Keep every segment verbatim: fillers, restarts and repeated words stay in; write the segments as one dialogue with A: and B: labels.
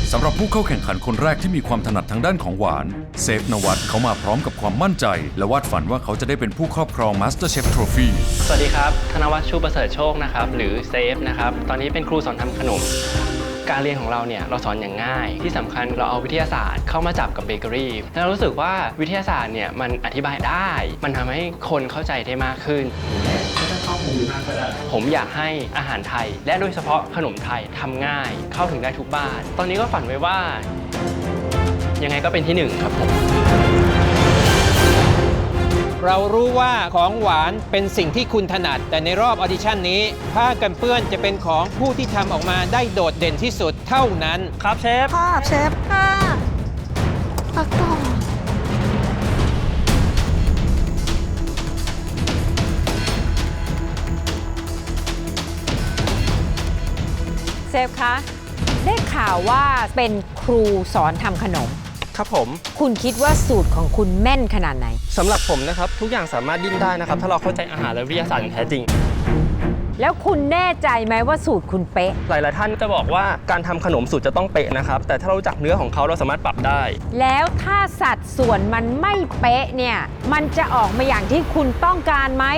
A: สำหรับผู้เข้าแข่งขันคนแรกที่มีความถนัดทางด้านของหวานเซฟนวัตเขามาพร้อมกับความมั่นใจและวาดฝันว่าเขาจะได้เป็นผู้ครอบครอง MasterChef Trophy
B: สวัสดีครับธนวัฒน์ชูประเสริฐโชคนะครับหรือเซฟนะครับตอนนี้เป็นครูสอนทำขนมการเรียนของเราเนี่ยเราสอนอย่างง่ายที่สำคัญเราเอาวิทยาศาสตร์เข้ามาจับกับเบเกอรี่แล้วเรารู้สึกว่าวิทยาศาสตร์เนี่ยมันอธิบายได้มันทำให้คนเข้าใจได้มากขึ้นผมอยากให้อาหารไทยและโดยเฉพาะขนมไทยทำง่ายเข้าถึงได้ทุกบ้านตอนนี้ก็ฝันไว้ว่ายังไงก็เป็นที่หนึ่งครับผม
C: เรารู้ว่าของหวานเป็นสิ่งที่คุณถนัดแต่ในรอบออดิชั่นนี้ผ้ากันเปื้อนจะเป็นของผู้ที่ทำออกมาได้โดดเด่นที่สุดเท่านั้นครับเชฟ
D: ค่ะเชฟค่ะตักต่อ
E: เซฟคะได้ข่าวว่าเป็นครูสอนทำขนม
B: ครับผม
E: คุณคิดว่าสูตรของคุณแม่นขนาดไหน
B: สำหรับผมนะครับทุกอย่างสามารถดิ้นได้นะครับถ้าเราเข้าใจอาหารและวิทยาศาสตร์อย่างแท้จริง
E: แล้วคุณแน่ใจไหมว่าสูตรคุณเป๊ะ
B: หลายๆท่านจะบอกว่าการทำขนมสูตรจะต้องเป๊ะนะครับแต่ถ้าเรารู้จักเนื้อของเขาเราสามารถปรับได้
E: แล้วถ้าสัดส่วนมันไม่เป๊ะเนี่ยมันจะออกมาอย่างที่คุณต้องการไหม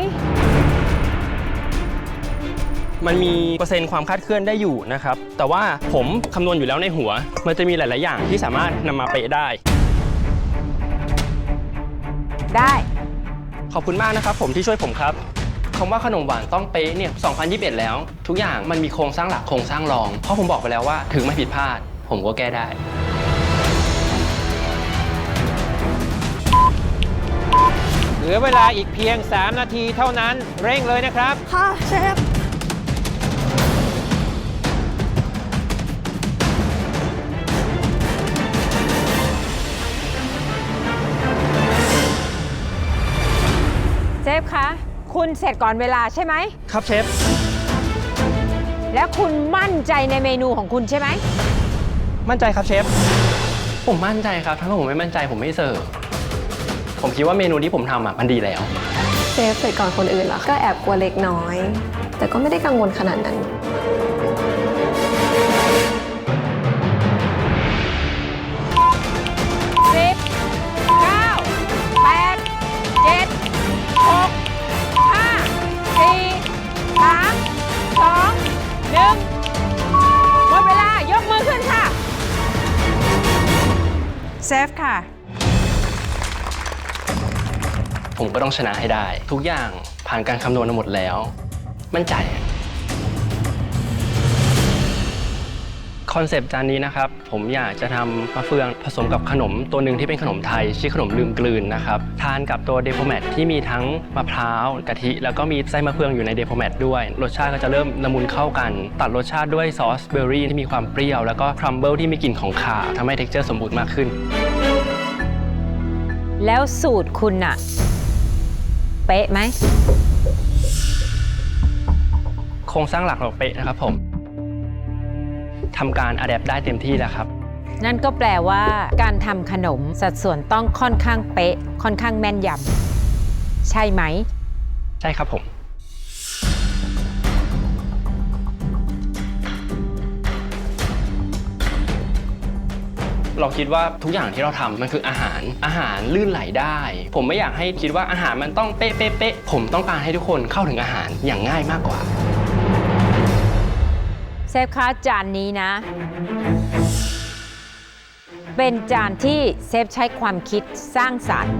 B: มันมีเปอร์เซ็นต์ความคลาดเคลื่อนได้อยู่นะครับแต่ว่าผมคำนวณอยู่แล้วในหัวมันจะมีหลาย ๆ อย่างที่สามารถนำมาเป๊ะได้
E: ได้
B: ขอบคุณมากนะครับผมที่ช่วยผมครับคำว่าขนมหวานต้องเป๊ะเนี่ยสองพันยี่สิบเอ็ดแล้วทุกอย่างมันมีโครงสร้างหลักโครงสร้างรองเพราะผมบอกไปแล้วว่าถึงไม่ผิดพลาดผมก็แก้ได้
C: เหลือเวลาอีกเพียงสามนาทีเท่านั้นเร่งเลยนะครับ
D: ค่ะเชฟ
E: เชฟคะคุณเสร็จก่อนเวลาใช่ไหม
B: ครับเชฟ
E: แล้วคุณมั่นใจในเมนูของคุณใช่ไหม
B: มั่นใจครับเชฟผมมั่นใจครับถ้าผมไม่มั่นใจผมไม่เสิร์ฟผมคิดว่าเมนูที่ผมทำอ่ะมันดีแล้ว
D: เชฟเสร็จก่อนคนอื่นเหรอก็แอบกลัวเล็กน้อยแต่ก็ไม่ได้กังวลขนาดนั้น
E: สิบเก้าแปดเจ็ดหกห้าสี่สามสองหนึ่งหมดเวลายกมือขึ้นค่ะเซฟค่ะ
B: ผมก็ต้องชนะให้ได้ทุกอย่างผ่านการคำนวณมาหมดแล้วมั่นใจคอนเซปต์จานนี้นะครับผมอยากจะทำมะเฟืองผสมกับขนมตัวหนึ่งที่เป็นขนมไทยชื่อขนมลืมกลืนนะครับทานกับตัวเดโพแมทที่มีทั้งมะพร้าวกะทิแล้วก็มีไส้มะเฟืองอยู่ในเดโพแมทด้วยรสชาติก็จะเริ่มละมุนเข้ากันตัดรสชาติด้วยซอสเบอร์รี่ที่มีความเปรี้ยวแล้วก็ครัมเบิลที่มีกลิ่นของข่าทำให้เท็กเจอร์สมบูรณ์มากขึ้น
E: แล้วสูตรคุณอะเป๊ะไหม
B: โครงสร้างหลักเราเป๊ะนะครับผมทำการอะแดปได้เต็มที่แล้วครับ
E: นั่นก็แปลว่าการทำขนมสัดส่วนต้องค่อนข้างเป๊ะค่อนข้างแม่นยำใช่ไหม
B: ใช่ครับผมเราคิดว่าทุกอย่างที่เราทำมันคืออาหารอาหารลื่นไหลได้ผมไม่อยากให้คิดว่าอาหารมันต้องเป๊ะเป๊ะเป๊ะผมต้องการให้ทุกคนเข้าถึงอาหารอย่างง่ายมากกว่า
E: เซฟคะจานนี้นะเป็นจานที่เซฟใช้ความคิดสร้างสรรค์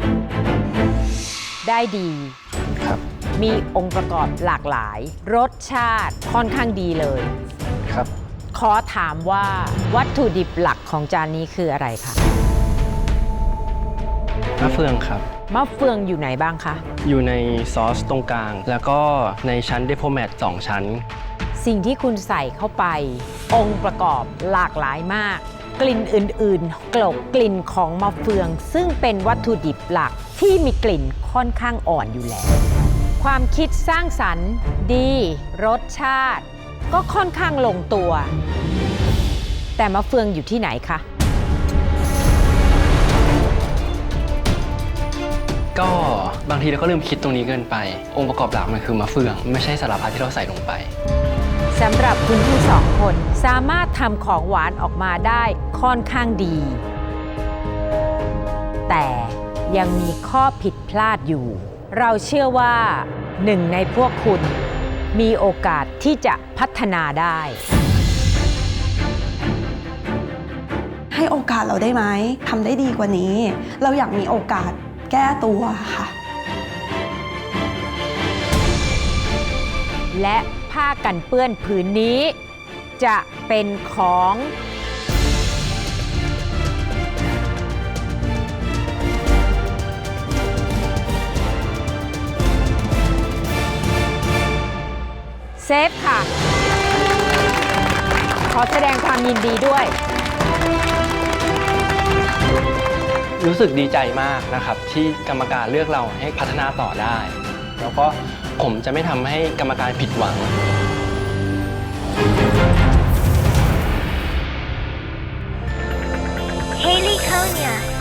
E: ได้ดี
B: ครับ
E: มีองค์ประกอบหลากหลายรสชาติค่อนข้างดีเลย
B: ครับ
E: ขอถามว่าวัตถุดิบหลักของจานนี้คืออะไรคะ
B: มะเฟืองครับ
E: มะเฟืองอยู่ไหนบ้างคะ
B: อยู่ในซอสตรงกลางแล้วก็ในชั้นเดโพแมทสองชั้น
E: สิ่งที่คุณใส่เข้าไปองค์ประกอบหลากหลายมากกลิ่นอื่นๆกลบกลิ่นของมะเฟืองซึ่งเป็นวัตถุดิบหลักที่มีกลิ่นค่อนข้างอ่อนอยู่แล้วความคิดสร้างสรรค์ดีรสชาติก็ค่อนข้างลงตัวแต่มะเฟืองอยู่ที่ไหนคะ
B: ก็บางทีเราก็ลืมคิดตรงนี้เกินไปองค์ประกอบหลักมันคือมะเฟืองไม่ใช่สารพัดที่เราใส่ลงไป
E: สำหรับคุณทั้งสองคนสามารถทำของหวานออกมาได้ค่อนข้างดี แต่ยังมีข้อผิดพลาดอยู่ เราเชื่อว่าหนึ่งในพวกคุณมีโอกาสที่จะพัฒนาได้
F: ให้โอกาสเราได้ไหมทำได้ดีกว่านี้ เราอยากมีโอกาสแก้ตัวค่ะ
E: และผ้ากันเปื้อนผืนนี้จะเป็นของเซฟค่ะ ขอแสดงความยินดีด้วย
B: รู้สึกดีใจมากนะครับที่กรรมการเลือกเราให้พัฒนาต่อได้ แล้วก็ผมจะไม่ทำให้กรรมการผิดหวัง
G: Haley Konya.